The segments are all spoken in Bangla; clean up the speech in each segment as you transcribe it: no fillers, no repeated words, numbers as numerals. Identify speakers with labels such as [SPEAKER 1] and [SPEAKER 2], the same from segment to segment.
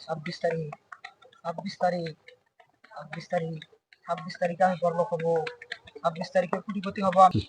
[SPEAKER 1] 26 তারিখ, 26 তারিখ, 26 তারিখ, 26 তারিখে আমি বড়লোক হবো। 26 তারিখে কোটিপতি হবো আমি।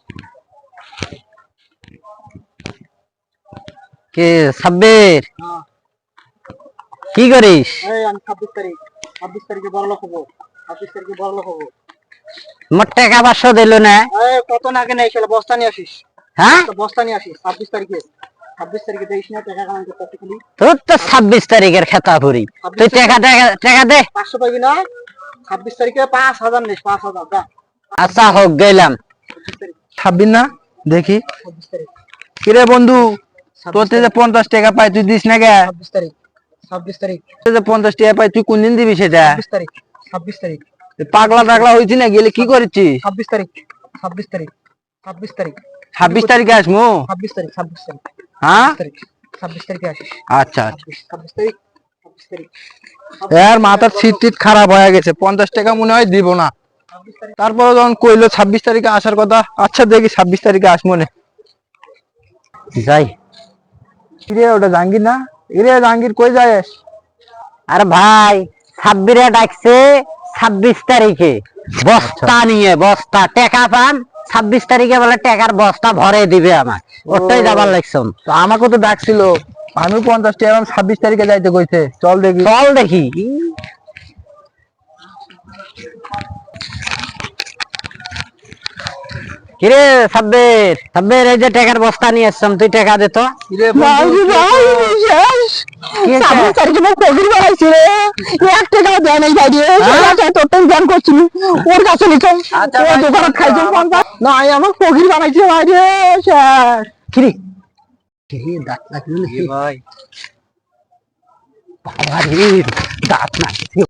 [SPEAKER 2] কে সাব্বির,
[SPEAKER 1] হ্যাঁ,
[SPEAKER 2] কি করিস?
[SPEAKER 1] এই আমি 26 তারিখ, 26 তারিখে বড়লোক হবো। 26 তারিখে বড়লোক হবো।
[SPEAKER 2] মোট টাকা 500 দিল না?
[SPEAKER 1] কত না কেন এই শালা বস্তা নিয়ে আসিস।
[SPEAKER 2] হ্যাঁ,
[SPEAKER 1] বস্তা নিয়ে আসিস 26 তারিখে। 26 তারিখে দেখিস না টাকা কামাই করতে খালি।
[SPEAKER 2] তোর তো 26 তারিখের খেতা ভরি। তুই টাকা টাকা টাকা দে।
[SPEAKER 1] 500 পাবি না? 26 তারিখে 5,000 নিস, 5,000 দা।
[SPEAKER 2] আচ্ছা হোক, গেলাম।
[SPEAKER 1] 26 তারিখ,
[SPEAKER 3] 26 না দেখি।
[SPEAKER 1] 26 তারিখ,
[SPEAKER 3] কিরে বন্ধু, তোর
[SPEAKER 1] 26
[SPEAKER 3] যে 50 টাকা পাই তুই দিস না কে?
[SPEAKER 1] 26 তারিখ, 26 তারিখ,
[SPEAKER 3] তোর যে 50 টাকা পাই তুই কোন দিন দিবি সেটা?
[SPEAKER 1] 26 তারিখ, 26 তারিখ,
[SPEAKER 3] পাগলা টাগলা হয়েছি না, গেলে কি করেছিস?
[SPEAKER 1] 26 তারিখ, 26 তারিখ, 26 তারিখ,
[SPEAKER 3] 26 তারিখে আসমু।
[SPEAKER 1] 26 তারিখ, 26 তারিখ,
[SPEAKER 3] হ্যাঁ
[SPEAKER 1] 26 তারিখে আসিস।
[SPEAKER 3] আচ্ছা আচ্ছা।
[SPEAKER 1] 26 তারিখ, 26 তারিখ,
[SPEAKER 3] এর মাথার সিট টিট খারাপ হয়ে গেছে, 50 টাকা মনে হয় দিব না।
[SPEAKER 1] 26 তারিখ।
[SPEAKER 3] তারপরে যখন কইলো 26 তারিখে আসার কথা, আচ্ছা দেখি 26 তারিখে আসমু নে।
[SPEAKER 2] যাই।
[SPEAKER 3] কিরে ওটা জাহাঙ্গীর না? কিরে জাহাঙ্গীর কই যাস?
[SPEAKER 2] আরে ভাই, সাব্বিরে ডাকছে 26 তারিখে বস্তা নিয়ে, বস্তা টাকা পান 26 তারিখে বলে টাকার বস্তা ভরে দিবে আমার, ওটাই যাবার লাগছে।
[SPEAKER 3] তো আমাকে তো ডাকছিল, আমি 50 টাকা 26 তারিখে যাইতে কইছে, চল দেখি।
[SPEAKER 2] চল দেখি। কিরে সাব্বির, সাব্বির এই যে টাকার বস্তা নিয়ে আসছাম, তুই টাকা দে তো।
[SPEAKER 3] কিরে বন্ধু,
[SPEAKER 2] কি হয়েছে?
[SPEAKER 3] ওর কাছে নিতাম, ও দোকানে খাইছে 50। না আমার ফকির বানাইছে ভাই রে স্যার।
[SPEAKER 2] কিরে কিরে, দাঁত লাগলো নাকি?
[SPEAKER 3] ভাই
[SPEAKER 2] বাবা রে, দাঁত লাগছে।